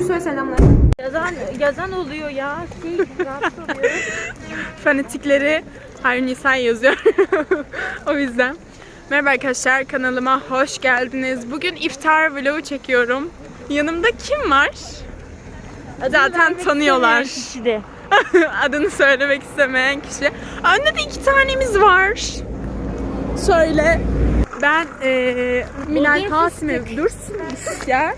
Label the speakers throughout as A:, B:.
A: Gülsoy'a selamlar.
B: Yazan oluyor ya. Rahatsız oluyor.
A: Fanatikleri her Nisan yazıyor. O yüzden. Merhaba arkadaşlar, kanalıma hoş geldiniz. Bugün iftar vlogu çekiyorum. Yanımda kim var? Zaten tanıyorlar. Adını söylemek istemeyen kişi. Önde de 2 tanemiz var. Şöyle. Ben Minal Kasime dursun ya.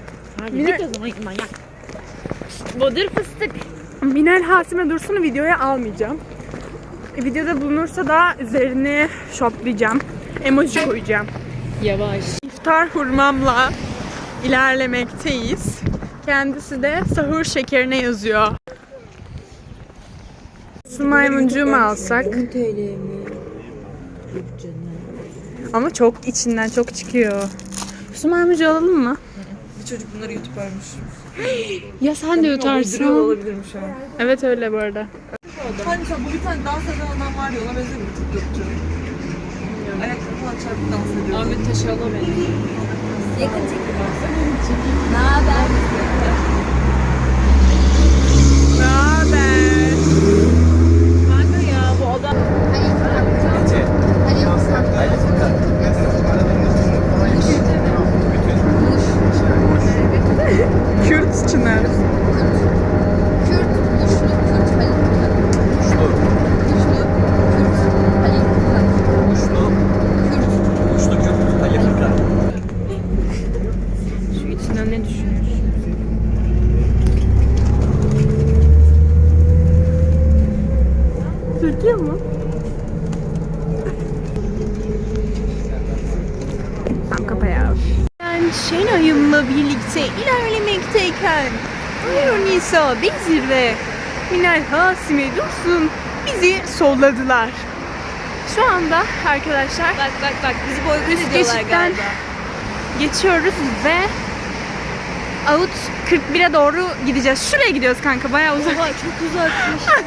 B: Bodur fıstık.
A: Minal Hasime Dursun'u videoya almayacağım. Videoda bulunursa da üzerine şoplayacağım. Emoji koyacağım.
B: Yavaş.
A: İftar hurmamla ilerlemekteyiz. Kendisi de sahur şekerine yazıyor. Su maymuncuğu mu alsak?
B: 10 TL mi?
A: Ama çok içinden çok çıkıyor. Su maymuncuğu alalım mı?
C: Bir çocuk bunları yutuparmış.
A: Ya sen de yutarsın.
C: Olabilirim şu an.
A: Evet öyle bu arada.
C: Hani sen bu bir tane dans eden adam var ya, ona benziyor bir TikTokçu. Ayakları falan çarpıp dans ediyor.
B: Ahmet Taşal'a benziyor.
D: Yakın çekim. Ne haber?
A: Ne haber?
B: Kanka ya bu adam.
A: Kürt Çınar.
D: Kürt, Muşlu, Kürt, Halil Kıran. Muşlu, Kürt, Halil Kıran. Kürt.
A: Şu içinden ne düşünüyorsun? Türkiye mi? Tamam kapa ya. Ben Şenay'ımla birlikte ilerlemekteyken Buyur Nisa, Bezir ve Minal Hasime Dursun bizi solladılar. Şu anda arkadaşlar
B: Bak bizi boykot
A: üst
B: ediyorlar
A: geçitten
B: galiba.
A: geçiyoruz ve Out 41'e doğru gideceğiz. Şuraya gidiyoruz kanka, bayağı uzak.
B: Oha çok uzakmış.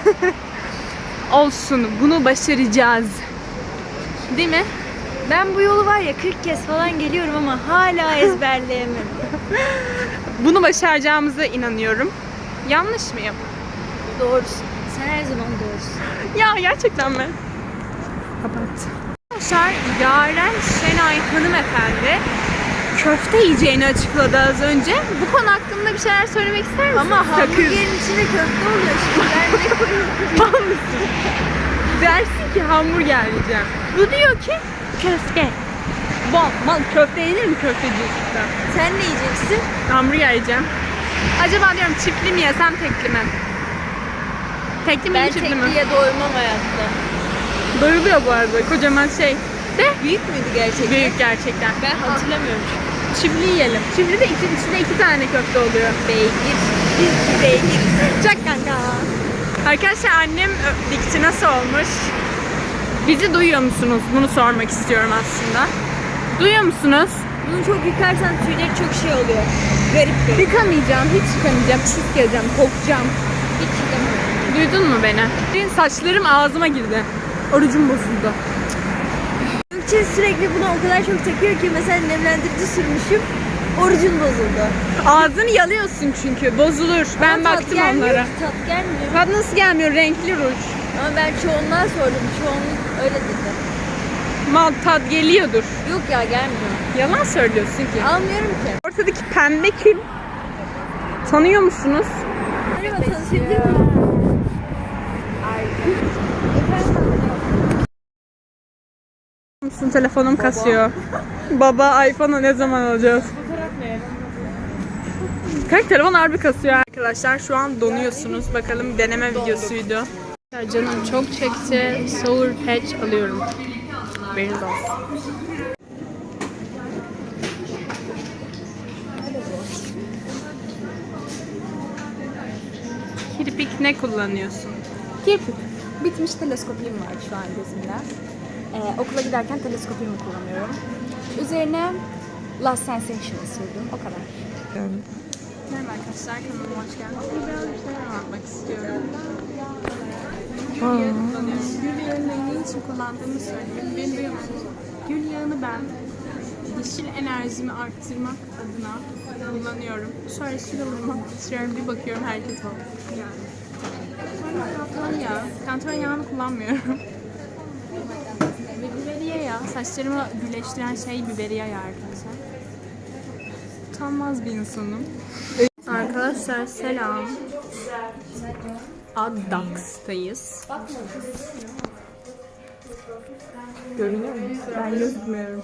A: Olsun, bunu başaracağız. Değil mi?
B: Ben bu yolu var ya 40 kez falan geliyorum ama hala ezberleyemem.
A: Bunu başaracağımıza inanıyorum. Yanlış mıyım?
B: Doğrusun. Sen her zaman doğrusun.
A: Ya gerçekten mi? Kapat. Arkadaşlar Yaren Şenay hanımefendi köfte yiyeceğini açıkladı az önce. Bu konu hakkında bir şeyler söylemek ister misin?
B: Ama hamburgerin içinde köfte oluyor şimdi. Ben ne koyayım?
A: Mal mısın? Dersin ki hamburger yiyeceğim. Bu diyor ki köfte. Mal köfte yenir mi köftecilikte?
B: Sen ne yiyeceksin?
A: Hamburger yiyeceğim. Acaba diyorum çiftli mi yesem tekli mi? Tekli mi
B: Ben
A: çiftli mi?
B: tekliye doymam hayatta.
A: Doyuluyor bu arada kocaman şey. De
B: Büyük müydü gerçekten?
A: büyük gerçekten.
B: Ben hatırlamıyorum.
A: Çiftli yiyelim. Çiftli de içinde 2 tane köfte oluyor.
B: Beygir. Biz beygiriz.
A: Çak kanka. Arkadaşlar annem dikti, nasıl olmuş? Bizi duyuyor musunuz? Bunu sormak istiyorum aslında. Duyuyor musunuz?
B: Bunu çok yıkarsan tüyleri çok şey oluyor. Garip.
A: Yıkamayacağım, hiç yıkamayacağım. Pis geleceğim, kokacağım.
B: Hiç yıkamıyorum.
A: Duydun mu beni? Saçlarım ağzıma girdi. Orucum bozuldu.
B: Gökçe sürekli bunu o kadar çok takıyor ki mesela nemlendirici sürmüşüm. Orucun bozuldu.
A: Ağzını yalıyorsun çünkü, bozulur. Ben
B: Ama tat
A: baktım
B: gelmiyor
A: onlara.
B: ki, tat gelmiyor.
A: Tat nasıl gelmiyor? Renkli ruj.
B: Ama ben çoğunluğa sordum. Çoğunluk öyle dedi.
A: Mal tat geliyordur.
B: Yok ya gelmiyor.
A: Yalan söylüyorsun ki.
B: Almıyorum ki.
A: Ortadaki pembe kim? Tanıyor musunuz?
B: Merhaba tanışabilir miyim?
A: Musun? Telefonum kasıyor. Baba iPhone'u ne zaman alacağız? Kanka telefon harbi kasıyor arkadaşlar. Şu an donuyorsunuz. Bakalım deneme videosuydu. Ya canım çok çekti. Sour Patch alıyorum. Haberiniz olsun. Kirpik ne kullanıyorsun?
D: Kirpik. Bitmiş teleskopim var şu an gözümde. Okula giderken teleskopimi kullanıyorum. Üzerine Last Sensation sürdüm. O kadar.
A: Merhaba arkadaşlar, kanalıma hoş geldiniz. Biraz bir şeyler anlatmak istiyorum. Gül yağını ne için kullandığımı söyleyeyim. Beni duyuyor musunuz? Gül yağını ben dişil enerjimi arttırmak adına kullanıyorum. Şöyle şuralarıma sürüyorum, bir bakıyorum herkes var. Sonra kantaron yağı. Kantaron yağını kullanmıyorum. Biberiye yağı. Saçlarımı güleştiren şey biberiye yağı arkadaşlar. Utanmaz bir insanım. Arkadaşlar selam. Addax'tayız. Görünüyor mu? Ben gözükmüyorum.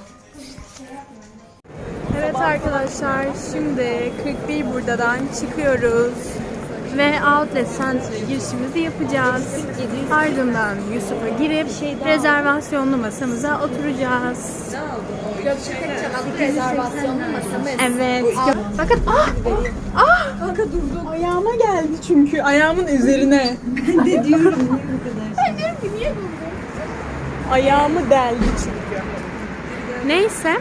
A: Evet arkadaşlar, şimdi 41 buradan çıkıyoruz ve Outlet Center'a girişimizi yapacağız. Ardından Yusuf'a girip rezervasyonlu masamıza oturacağız.
B: Rezervasyonlu masamız.
A: Evet. Bakın kanka durdum. Ayağıma geldi çünkü. Ayağımın üzerine.
C: Ben de diyorum niye bu kadar?
A: Ben diyorum ki niye durdum? Ayağımı deldi çünkü. Neyse.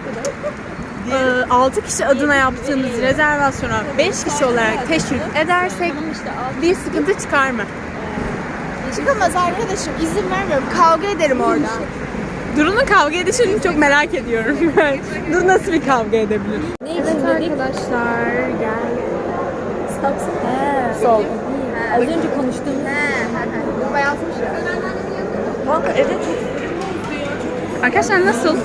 A: 6 kişi adına yaptığımız rezervasyona 5 kişi olarak teşvik edersek bir sıkıntı çıkar mı?
D: Çıkamaz arkadaşım. İzin vermiyorum. Kavga ederim orada.
A: Duru'nun kavga edişini çok merak ediyorum. Dur nasıl bir kavga edebilir? Evet arkadaşlar gel. Sol.
B: Az önce konuştuğumuz.
D: Bayazmış ya.
C: Kanka evet.
A: Arkadaşlar nasıl?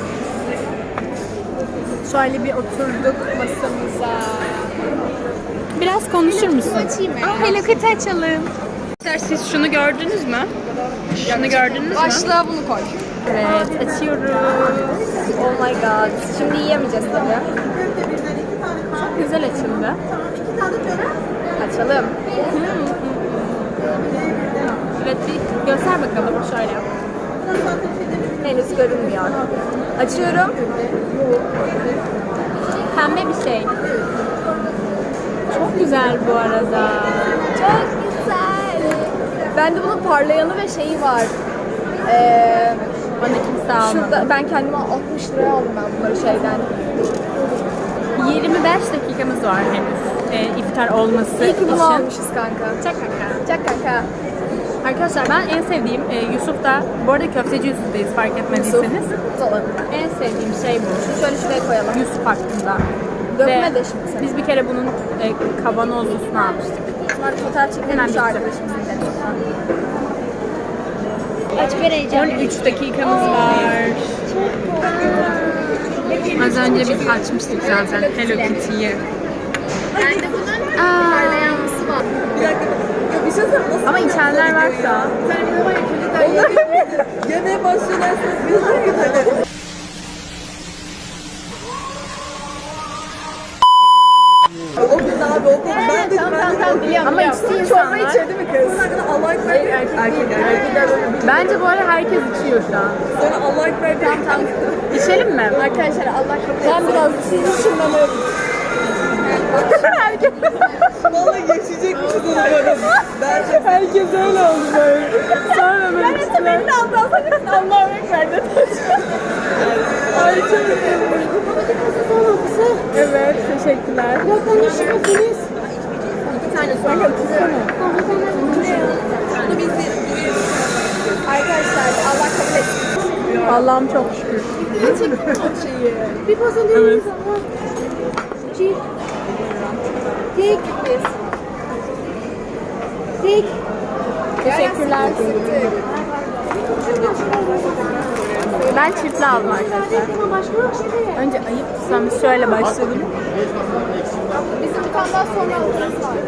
A: Şöyle bir oturduk masamıza. Biraz konuşur musun?
D: Açayım mı?
A: Hello Kitty açalım. Siz şunu gördünüz mü? Şunu gördünüz mü?
D: Başlığa bunu koy.
A: Evet, açıyoruz.
D: Oh my god. Şimdi yiyemeyeceğiz tabii.
A: Çok güzel açıldı.
D: Açalım.
A: Evet, bir göster bakalım. Şöyle yap.
D: Henüz görünmüyor. Açıyorum.
A: Pembe bir şey. Çok güzel bu arada.
D: Çok güzel. Bende bunun parlayanı ve şeyi var.
A: Bana kimse almadı.
D: Şurada ben kendime 60 liraya aldım ben bunları şeyden.
A: 25 dakikamız var henüz. İftar olması
D: İyi ki bunu
A: için.
D: almışız kanka.
A: Çak kanka.
D: Çak kanka.
A: Arkadaşlar ben en sevdiğim Yusuf da, bu arada köfteci Yusuf'tayız fark etmediyseniz.
D: Tutalım.
A: En sevdiğim şey bu.
D: Şöyle şuraya koyalım.
A: Yusuf hakkında.
D: Dökme
A: Ve
D: de şimdi sen.
A: biz bir kere bunun kavanozlusunu almıştık.
D: Bunlar fotoğraf çekelim
A: Hemen
D: şu
A: bitti.
D: arkadaşımızın telefonundan.
B: Aç vereceğim.
A: 13 dakikamız var. Az önce biz açmıştık zaten Hello Kitty'yi.
D: Bende bunun parlayanlısı var.
C: Bir dakika. Ya bir şey söyleyeyim. Nasıl?
A: Ama içenler varsa
C: Yemeye başlıyorlarsa biz de gidelim. O gün abi o gün ben de
D: Biliyorum.
A: ama içti insanlar.
D: içirdi mi kız?
C: Allah ekber. Erkekler.
A: Bence bu arada herkes içiyor şu an.
C: Sonra Allah ekber. Tamam.
A: İçelim mi?
D: Arkadaşlar Allah kabul etsin.
B: Ben biraz sizi şunlanıyorum.
C: Vallahi yaşayacakmışız onu böyle. Bence
A: Herkes öyle oldu böyle. Sonra böyle içtiler.
D: Allah'a ekber.
A: Ay çok Evet, teşekkürler.
B: Ya konuşuyorsunuz.
C: bir tane sonra
D: Arkadaşlar Allah kabul etsin.
A: Allah'ım çok şükür.
B: Bir pas alıyoruz ama. Çiğ. Tek. Tek.
A: Teşekkürler. Ben çiftli aldım arkadaşlar.
B: Ama başka yok şimdi.
A: Önce ayıp tutsam şöyle başladım.
D: Bizim bir tane daha sonra alırız var.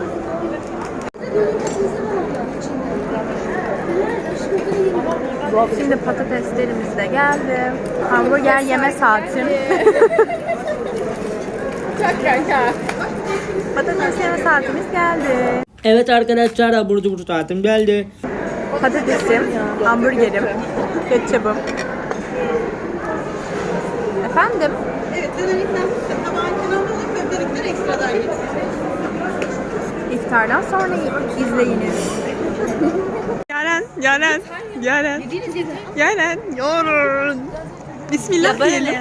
A: Şimdi patateslerimiz de geldi. Hamburger yeme saatim.
D: Çok kanka.
A: Patates yeme saatimiz geldi.
E: Evet arkadaşlar abur cubur saatim geldi.
A: Patatesim, hamburgerim, ketçabım. Efendim?
C: evet dönemlikten tabağın kenarında alıp köftelikleri ekstradan git.
A: İftardan sonra izleyiniz. Yaren. Yorun. Bismillah diyelim.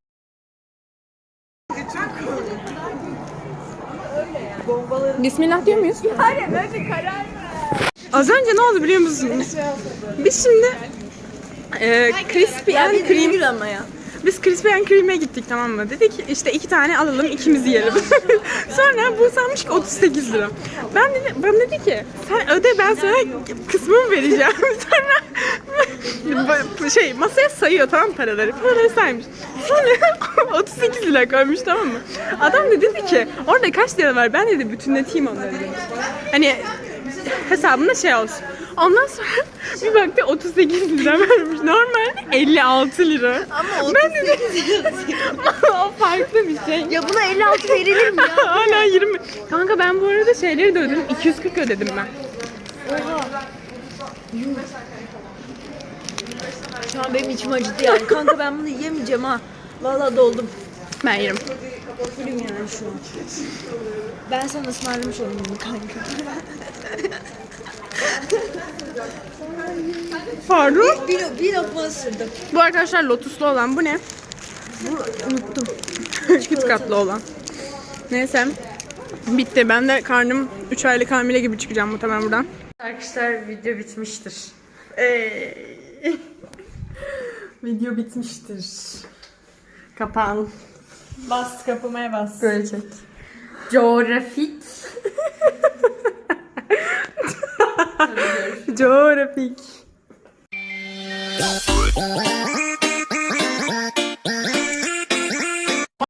A: Bismillah diyor muyuz?
D: Hayır önce karar ver.
A: Az önce ne oldu biliyor musunuz? Biz şimdi crispy and cream Biz Krispy Kreme'e gittik, tamam mı? Dedik işte 2 tane alalım, ikimiz yiyelim. Sonra bu sanmış ki 38 lira. Bana dedi ki sen öde, ben sana kısmımı vereceğim. Sonra masaya sayıyor, tamam, paraları saymış. Sonra 38 lira koymuş, tamam mı? Adam da dedi ki orada kaç lira var, ben dedi bütünleteyim onları dedi. Hani hesabında olsun. Ondan sonra bir baktı 38 lira vermiş. Normalde 56 lira.
B: Ama
A: Ben dedim o farklı bir şey.
B: Ya buna 56 verilir mi ya?
A: Hala 20. Kanka ben bu arada şeyleri de ödedim. 240 ödedim ben.
B: Şu an benim içim acıdı yani. Kanka ben bunu yiyemeyeceğim ha. Vallahi doldum.
A: Ben yerim.
B: Fullüm yani şu an. Ben sana ısmarlamış olayım bunu kanka.
A: Pardon.
B: Bir lokma ısırdım.
A: Bu arkadaşlar lotuslu olan bu ne?
B: Bu unuttum.
A: Çift katlı olan. Neyse. Bitti. Ben de karnım 3 aylık hamile gibi çıkacağım muhtemelen buradan. Arkadaşlar video bitmiştir. Video bitmiştir. Kapan.
C: Bas, kapamaya bas.
A: Böyle çek. Coğrafik. Coğrafik.